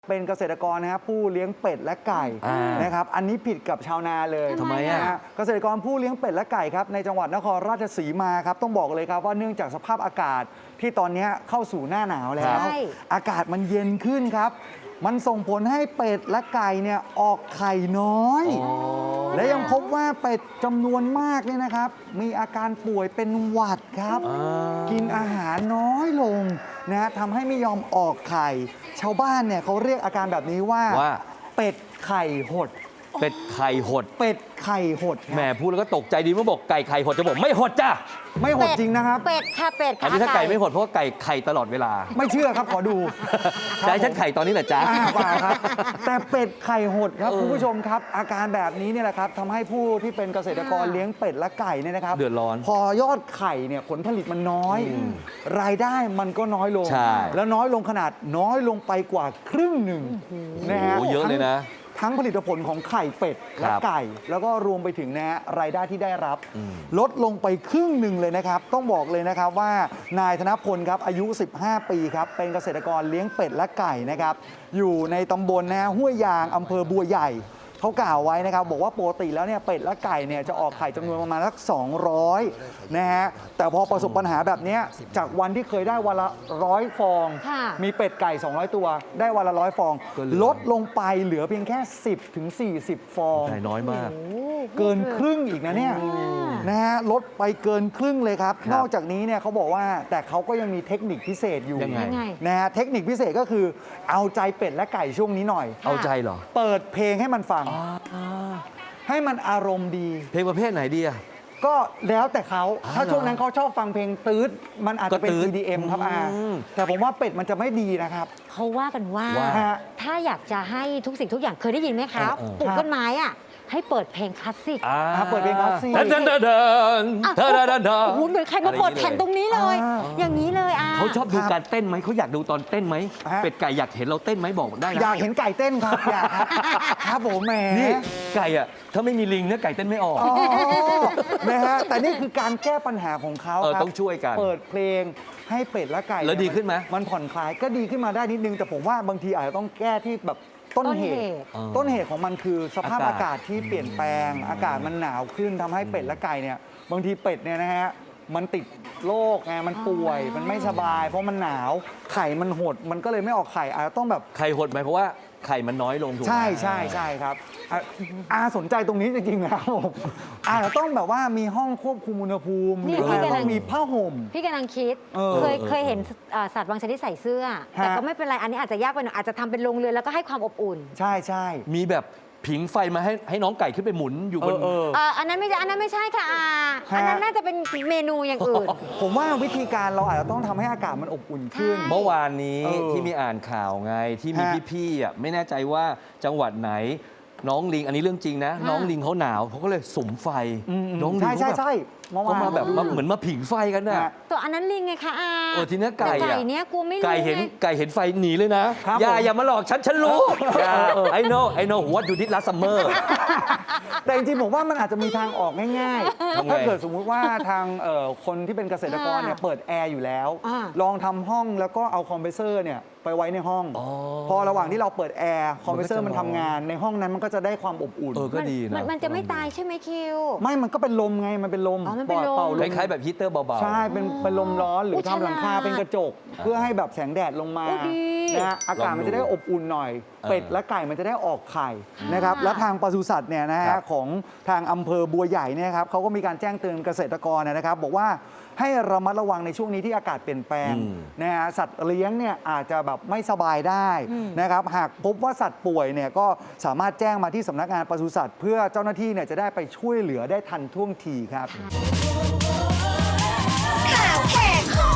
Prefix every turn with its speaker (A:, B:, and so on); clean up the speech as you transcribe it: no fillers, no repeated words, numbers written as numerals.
A: เป็นเกษตรกรนะครับผู้เลี้ยงเป็ดและไก่นะครับอันนี้ผิดกับชาวนาเลย
B: ทำไมอ่ะ
A: เกษตรกรผู้เลี้ยงเป็ดและไก่ครับในจังหวัดนครราชสีมาครับต้องบอกเลยครับว่าเนื่องจากสภาพอากาศที่ตอนนี้เข้าสู่หน้าหนาวแล้วอากาศมันเย็นขึ้นครับมันส่งผลให้เป็ดและไก่เนี่ยออกไข่น้อยและยังพบว่าเป็ดจำนวนมากเนี่ยนะครับมีอาการป่วยเป็นหวัดครับกินอาหารน้อยลงนะทำให้ไม่ยอมออกไข่ชาวบ้านเนี่ยเขาเรียกอาการแบบนี้ว่าเป็ดไข่หด
B: เป็ดไข่หด
A: เป็ดไข่หด
B: แหมพูดแล้วก็ตกใจดีเมื่อบอกไก่ไข่หดจะบอกไม่หดจ้ะ
A: ไม่หดจริงนะครับ
C: เป็ดค่ะเป็ดค่ะ
B: อันนี้ถ้าไก่ไม่หดเพราะว่าไก่ไข่ตลอดเวลา
A: ไม่เชื่อครับขอดู
B: จะให้ฉันไข่ตอนนี้แหละจ้ะ
A: ป่าครับแต่เป็ดไข่หดครับคุณผู้ชมครับอาการแบบนี้เนี่ยแหละครับทำให้ผู้ที่เป็นเกษตรกรเลี้ยงเป็ดและไก่เนี่ยนะครับ
B: เดือดร้อน
A: พอยอดไข่เนี่ยผลผลิตมันน้อยรายได้มันก็น้อยลงแล้วน้อยลงขนาดน้อยลงไปกว่าครึ่งหนึ่งนะฮะ
B: เยอะเลยนะ
A: ทั้งผลิตผลของไข่เป็ดและไก่แล้วก็รวมไปถึงนะฮะรายได้ที่ได้รับลดลงไปครึ่งหนึ่งเลยนะครับต้องบอกเลยนะครับว่านายธนพลครับอายุ15 ปีครับเป็นเกษตรกรเลี้ยงเป็ดและไก่นะครับอยู่ในตำบลนะห้วยยางอำเภอบัวใหญ่เขากล่าวไว้นะครับบอกว่าปกติแล้วเนี่ยเป็ดและไก่เนี่ยจะออกไข่จำนวนประมาณสัก200นะฮะแต่พอประสบปัญหาแบบนี้จากวันที่เคยได้วันละ100 ฟองมีเป็ดไก่200 ตัวได้วันละ100 ฟองลดลงไปเหลือเพียงแค่10 ถึง 40 ฟอง
B: น้อยมาก
A: เกินครึ่งอีกนะเนี่ยนะฮะลดไปเกินครึ่งเลยครับนอกจากนี้เนี่ยเขาบอกว่าแต่เขาก็ยังมีเทคนิคพิเศษอยู่นะฮะเทคนิคพิเศษก็คือเอาใจเป็ดและไก่ช่วงนี้หน่อย
B: เอาใจเหรอ
A: เปิดเพลงให้มันฟังให้มันอารมณ์ดี
B: เพลงประเภทไหนดีอะ
A: ก็แล้วแต่เขาถ้าช่วงนั้นเขาชอบฟังเพลงตื๊ดมันอาจจะเป็น EDM ครับแต่ผมว่าเป็ดมันจะไม่ดีนะครับ
C: เขาว่ากันว่าถ้าอยากจะให้ทุกสิ่งทุกอย่างเคยได้ยินไหมคะปลูกต้นไม้อะให้เปิดเพลงคลาสสิก
A: เปิดเพลงคลาสสิก
B: เดิน
C: โอ้โหเหมือนใครมาเปิดแผ่นตรงนี้เลยอย่างนี้เลย
B: เขาชอบดูการเต้นไหมเขาอยากดูตอนเต้นไหมเป็ดไก่อยากเห็นเราเต้นไหมบอกได้นะ
A: อยากเห็นไก่เต้นครับอยากครับผมแหม
B: นี่ไก่อะถ้าไม่มีลิงเนี่ยไก่เต้นไม่ออก
A: นะฮะแต่นี่คือการแก้ปัญหาของเขาครับ
B: ต้องช่วยกัน
A: เปิดเพลงให้เป็ดและไก่
B: แล้วดีขึ้นไหม
A: มันผ่อนคลายก็ดีขึ้นมาได้นิดนึงแต่ผมว่าบางทีอาจจะต้องแก้ที่แบบต้นเหตุของมันคือสภาพอากาศที่เปลี่ยนแปลงอากาศมันหนาวขึ้นทำให้เป็ดและไก่เนี่ยบางทีเป็ดเนี่ยนะฮะมันติดโรคไงมันป่วยมันไม่สบายเพราะมันหนาวไข่มันหดมันก็เลยไม่ออกไข่อาจจะต้องแบบ
B: ไข่หดไหมเพราะว่าไข่มันน้อยลงถูกไหม
A: ใช่ครับสนใจตรงนี้จริงๆนะครับผมอาจจะต้องแบบว่ามีห้องควบคุมอุณหภูมิหรือต้องมีผ้าห่ม
C: พี่กำลังคิดเคยเห็นสัตว์บางชนิดใส่เสื้อแต่ก็ไม่เป็นไรอันนี้อาจจะยากไปหน่อยอาจจะทำเป็นโรงเรือนแล้วก็ให้ความอบอุ่น
A: ใช่
B: มีแบบผิงไฟมาให้น้องไก่ขึ้นไปหมุนอยู่บน
C: อันนั้นไม่ใช่ค่ะอันนั้นน่าจะเป็นเมนูอย่างอื่น
A: ผมว่าวิธีการเราอาจจะต้องทำให้อากาศมันอบอุ่นขึ้น
B: เมื่อวานนี้ที่มีอ่านข่าวไงที่มีพี่ๆไม่แน่ใจว่าจังหวัดไหนน้องลิงอันนี้เรื่องจริงนะน้องลิงเขาหนาวเขาก็เลยสุมไฟน้องลิงเขามาแบบเหมือนมาผิงไฟกันน่ะ
C: ตัวอันนั้นลิงไงคะ
B: ทีนี้ไก่
C: เนี้ยกูไม่รู้
B: ไก่เห็นไฟหนีเลยนะอย่ามาหลอกฉันรู้I know what you did last summer
A: แต่จริงๆผมว่ามันอาจจะมีทางออกง่ายๆถ้าเกิดสมมุติว่าทางคนที่เป็นเกษตรกรเนี่ยเปิดแอร์อยู่แล้วลองทำห้องแล้วก็เอาคอมเพรสเซอร์เนี่ยไปไว้ในห้องพอระหว่างที่เราเปิดแอร์คอมเพรสเซอร์มันทำงานในห้องนั้นมันก็จะได้ความอบอุ่น
B: ก็ดีนะ
C: มันจะไม่ตายใช่ไหมคิว
A: ไม่มันก็เป็นลมไงมันเป็นลม
C: ปล่อยเป่า
B: ลมคล้ายๆแบบฮีตเตอร์เบา
A: ๆใช่เป็นลมร้อนหรือทำหลังคาเป็นกระจกเพื่อให้แบบแสงแดดลงมานะอากาศมันจะได้อบอุ่นหน่อยเป็ดและไก่มันจะได้ออกไข่นะครับและทางปศุสัตว์เนี่ยนะฮะของทางอำเภอบัวใหญ่เนี่ยครับเขาก็มีการแจ้งเตือนเกษตรกรนะครับบอกว่าให้ระมัดระวังในช่วงนี้ที่อากาศเปลี่ยนแปลงนะฮะสัตว์เลี้ยงเนี่ยอาจจะแบบไม่สบายได้นะครับหากพบว่าสัตว์ป่วยเนี่ยก็สามารถแจ้งมาที่สำนักงานปศุสัตว์เพื่อเจ้าหน้าที่เนี่ยจะได้ไปช่วยเหลือได้ทันท่วงทีครับข่าวแขก